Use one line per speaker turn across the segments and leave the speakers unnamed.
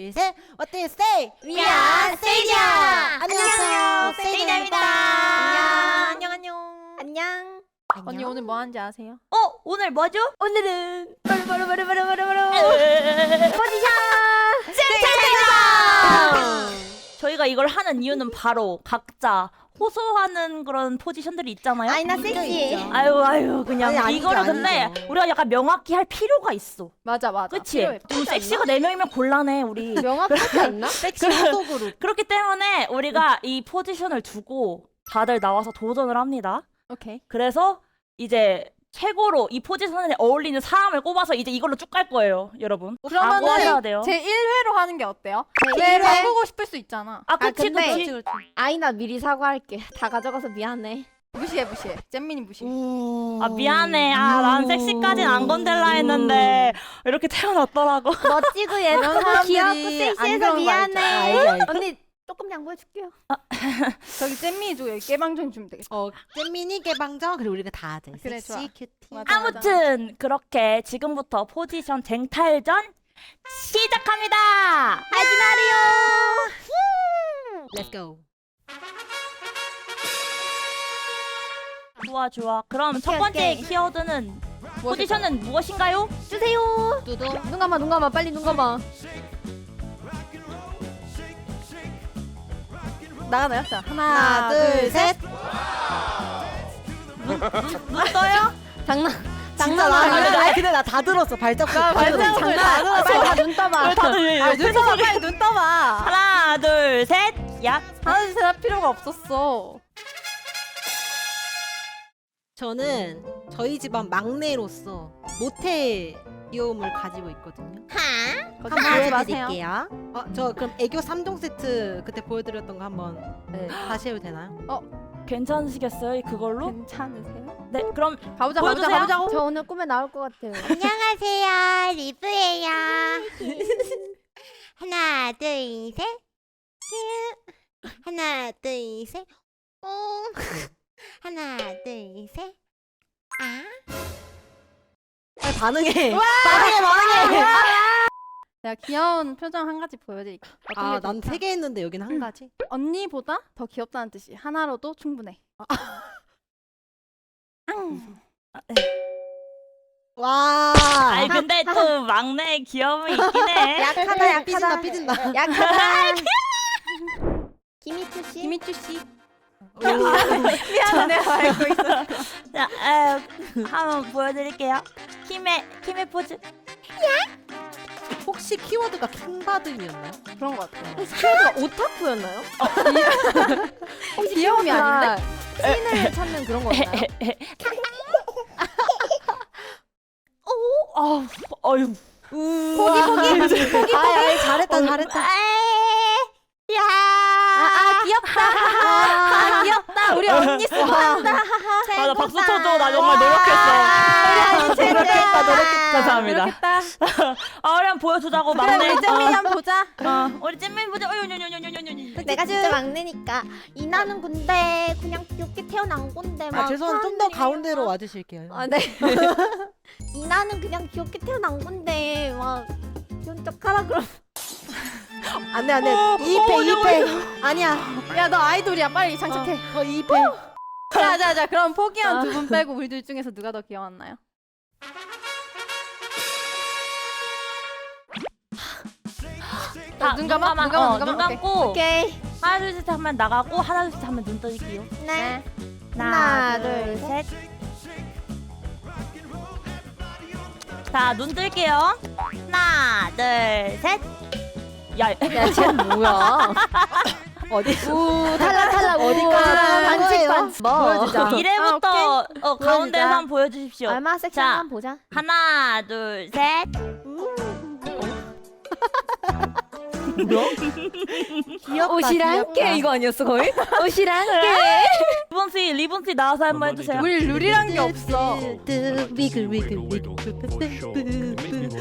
둘, 셋. What do you say?
We are 세이디야.
안녕하세요. 세이디입니다.
안녕. 안녕.
언니 오늘 뭐 하는지 아세요?
오늘 뭐죠?
오늘은
포지션 저희가 이걸 하는 이유는 바로 각자 호소하는 그런 포지션들이 있잖아요.
아이나
있죠,
섹시.
있죠.
아유 그냥
아니, 아니죠,
이거를 근데
아니죠.
우리가 약간 명확히 할 필요가 있어.
맞아.
그치?
필요해.
좀 섹시가 4명이면 곤란해 우리.
명확하지 않나?
섹시 후속으로.
그렇기 때문에 우리가 이 포지션을 두고 다들 나와서 도전을 합니다.
오케이.
그래서 이제 최고로 이 포지션에 어울리는 사람을 꼽아서 이제 이걸로 쭉 갈 거예요, 여러분. 다 모아야
그러면은
돼요.
제 1회로 하는 게 어때요?
제
왜
1회?
바꾸고 싶을 수 있잖아.
그치
근데-
그치.
아이나 미리 사과할게. 다 가져가서 미안해.
무시해. 잼민이 무시해.
아 미안해. 난 섹시까진 안 건들라 했는데 이렇게 태어났더라고.
멋지고 예쁘고 귀엽고
사람들이 안
섹시해서
그런 거
미안해.
알지.
언니 조금 양보해줄게요.
저기 잼민이 줘. 여기 깨방정 주면 되겠다.
잼민이 개방정 그리고 우리가 다 하자.
그래,
섹시
좋아.
큐티.
맞아.
아무튼 그렇게 지금부터 포지션 쟁탈전 시작합니다.
하지 마리오.
Let's go.
좋아. 그럼 첫 번째
오케이.
키워드는
무엇일까요?
포지션은 무엇인가요?
주세요.
두두.
눈 감아. 빨리 눈 감아.
나가나요? 자,
하나, 둘, 셋.
눈 떠요?
장난.
장난 아니야. 근데 나 다 들었어. 발자국.
발자국을 다 들었어.
빨리 다눈 떠봐.
다들
눈 떠봐. 빨리 눈 떠봐.
하나 둘 셋. 야.
하나 둘 셋 할 필요가 없었어.
저는 저희 집안 막내로서 모태 귀여움을 가지고 있거든요.
거짓말
한번
하지 마세요.
보여드릴게요. 저 그럼 애교 3종 세트 그때 보여드렸던 거 한번
네.
다시 해도 되나요?
괜찮으시겠어요? 그걸로?
괜찮으세요?
네. 그럼
가보자고.
저 오늘 꿈에 나올 것 같아요.
안녕하세요. 리브예요.
하나, 둘, 셋. 하나, 둘, 셋. 하나, 둘, 셋.
반응해.
제가 귀여운 표정 한 가지 보여드릴게요. 어떤 게
난
좋을까?
3개 했는데 여긴 한 가지.
언니보다 더 귀엽다는 뜻이 하나로도 충분해.
와.
아니 근데 또 막내의 귀여움이 있긴 해.
약하다.
삐진다.
약하다. 김희투 씨.
김희주 씨. 미안해, 내가 알고 있어.
자, 한번 보여드릴게요. 힘의 포즈.
혹시 키워드가 킹받음이었나요?
그런 것 같아요.
키워드가 오타쿠였나요? 혹시
귀여움이 아닌데?
찐을 찾는 그런 거였나요?
어휴.
포기. 잘했다.
야.
귀엽다. 귀엽다. 우리 언니 수고한다.
맞아, 박수 쳐줘. 나 정말 노력했어. 노력했다. 감사합니다.
그렇겠다.
우리 한번 보여주자고
그래,
막내.
우리 잼민이 한번 보자.
우리 잼민 보자.
내가 진짜 막내니까 이나는 근데 그냥 귀엽게 태어난 건데 막
죄송한데 좀 더
사람들이
가운데로
막-
와주실게요.
네. 이나는 그냥 귀엽게 태어난 건데 막 귀여운 척하라 그럼.
안돼. 2패. 아니야.
야, 너 아이돌이야. 빨리 장착해.
저 2패.
자. 그럼 포기한 두 분 빼고 우리 둘 중에서 누가 더 귀여웠나요? 눈 감아? 눈 감아?
눈 감고
오케이.
하나 둘 셋 하면 나가고 하나 둘 셋 하면 눈 떠질게요.
네.
하나,
둘,
셋. 자, 눈 뜰게요. 하나, 둘, 셋. 야,
쟤 뭐야?
어디?
오 탈락.
어디까지 하는 거예요?
반칙. 뭐?
보여주자.
이래부터 가운데서
보여주자.
한번 보여주십시오.
얼마나 섹시한 건 보자.
하나, 둘, 셋.
귀엽다.
옷이랑 함께 이거 아니었어 거의? 옷이랑 함께.
리본씨 나와서 한번 해주세요.
우리 룰이란 게 없어.
위글.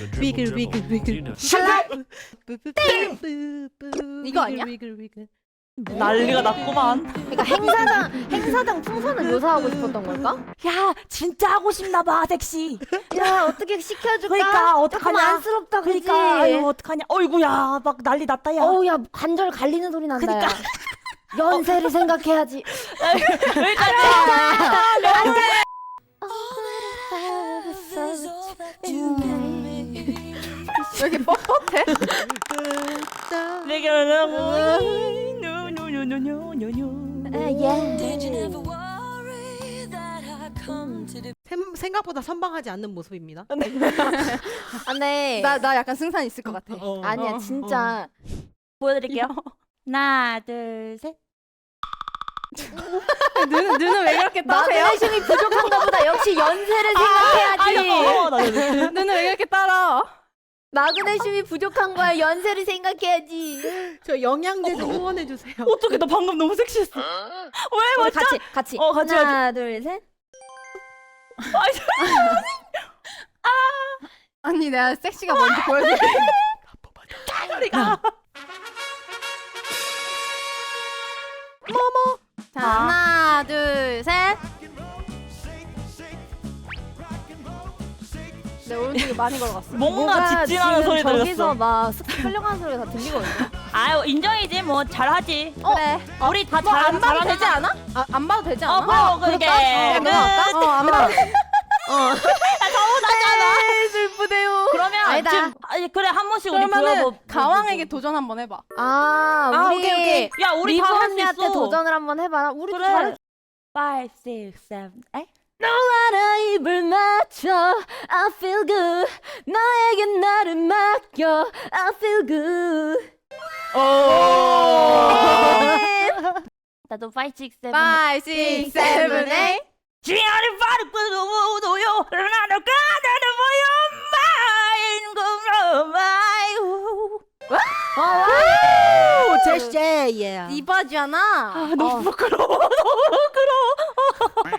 이거 아니야?
위글.
난리가 났구만.
그러니까 행사장 풍선을 묘사하고 싶었던 걸까?
야 진짜 하고 싶나 봐 섹시.
야 어떻게 시켜줄까?
그러니까 어떡하냐.
조금 안쓰럽다 그지?
그러니까 아유 어떡하냐. 어이구야 막 난리 났다 야.
어우 야 관절 갈리는 소리 난다.
그러니까.
야. 연세를 생각해야지.
왜 이렇게 뻣뻣해?
내게
생각보다 선방하지 않는 모습입니다.
아, 네.
나 약간 승산 있을 것 같아.
아니야 진짜.
보여드릴게요. 하나 둘 셋.
눈은 왜 그렇게 따세요?
마그네슘이 부족한가 보다. 역시 연세를 생각해야지.
눈은 왜 그렇게 따라?
마그네슘이 부족한 거야. 연세를 생각해야지.
저 영양제 좀 후원해 주세요.
어떻게 나 방금 너무 섹시했어. 왜
우리
맞죠?
같이.
같이
하나 둘 셋.
아니 내가 섹시가 뭔지 보여줄게.
소리가.
자 하나 둘 셋. 내 오른쪽에 많이 걸어갔어.
뭔가 직진하는 소리
저기서
들렸어.
막 쓱 끌려가는 소리가 다 들리거든요.
아유 인정이지 뭐 잘하지.
그래.
우리 다
안 봐도
잘하는
되지 않아? 안 봐도 되지 않아?
뭐 그게
안 봐도.
슬프대요.
그러면
아니다.
지금 그래 한 번씩 우리
그러면은
보여보.
가왕에게 도전 한번 해봐.
아 우리
오케이. 야 우리 다 할 수
리본이한테
있어.
도전을 한번 해봐라. 우리
그래.
잘해.
5, 6, 7, 8.
너와나 입을 맞춰 I feel good. 너에게 나를 맡겨 I feel good.
나도 5, 6, 7.
5, 6, 7, 8.
지하를 바르고 도요. 나도 가다는 보여.
오, 제시 예.
이바지아나.
너무 부끄러워. 너무 부끄러워.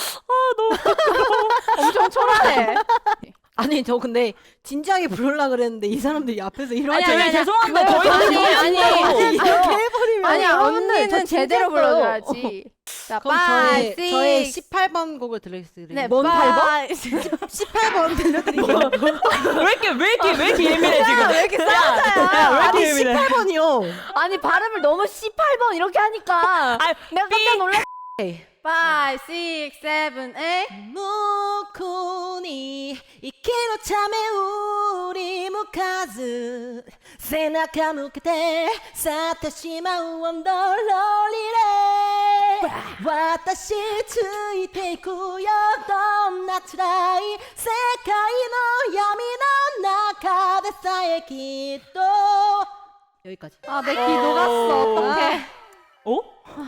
엄청 초라해.
아니 저 근데 진지하게 부르려 그랬는데 이 사람들이 앞에서 이러고
아니 죄송한데 저희
아니.
이렇게 해버리면
아니야
여러분들, 저
언니는 제대로
진지했어요.
불러줘야지. 자,
그럼
5, 6,
저의 18번 곡을 들려드릴게요.
네,
뭔
8번?
18번 들려드릴게요.
왜 이렇게 예민해 지금?
왜 이렇게 싸우자야?
왜
아니
이렇게 예민해?
18번이요.
아니 발음을 너무 18번 이렇게 하니까
아,
내가 깜짝 놀랐.
5, 6, 7, 8.
向に生きるため振り向かず背中向けて去ってしまうワンダーローリレー私ついていくよどんな辛い世界の闇の中でさえきっと여기까지.
아, 내 귀 녹았어. 어떡해.
어?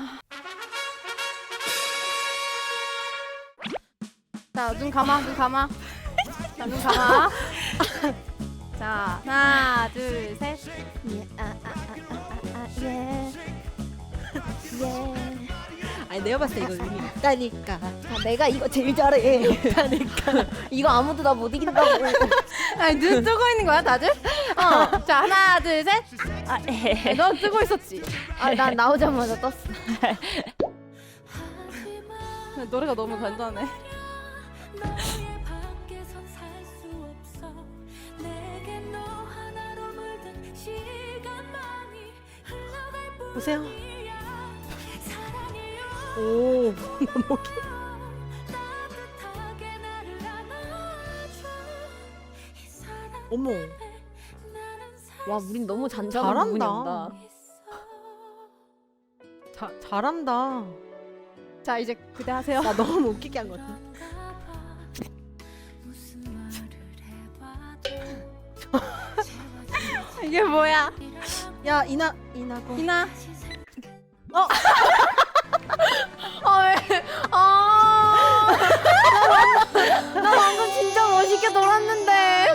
자, 눈 감아, 눈 감아. 자, 눈 감아. 자, 하나, 둘, 셋.
아니 내가 봤을 때 이거 의미 있다니까.
아, 내가 이거 제일 잘해. 이거 아무도 나 못 이긴다고.
아니, 눈 뜨고 있는 거야, 다들? 자, 하나, 둘, 셋.
아, 에.
너 뜨고 있었지?
아, 난 나오자마자 떴어.
노래가 너무 단단해.
보세요. 오, 목이. 어머,
와, 우린 너무 잔잔한 부분이
잘한다.
온다.
잘한다.
자, 이제 그대 하세요.
나 너무 웃기게 한 것 같아.
이게 뭐야?
야 이나고.
이나.
왜? 나 방금 진짜 멋있게 놀았는데.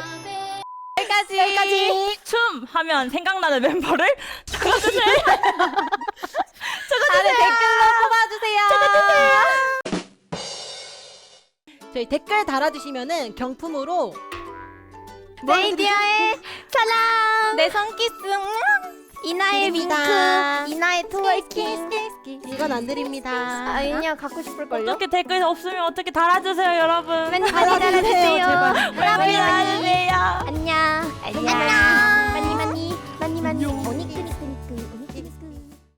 여기까지.
춤 하면 생각나는 멤버를 적어주세요.
다들 댓글로 뽑아주세요.
저희 댓글 달아주시면은 경품으로
네이디어의 사랑. 내 손기스. 이나의
드립니다.
윙크, 이나의 트월킹.
이건 안 드립니다.
아니야 갖고 싶을걸요?
어떻게 댓글 없으면 어떻게 달아주세요 여러분.
많이 달아주세요.
제발.
많이 달아주세요.
안녕.
안녕.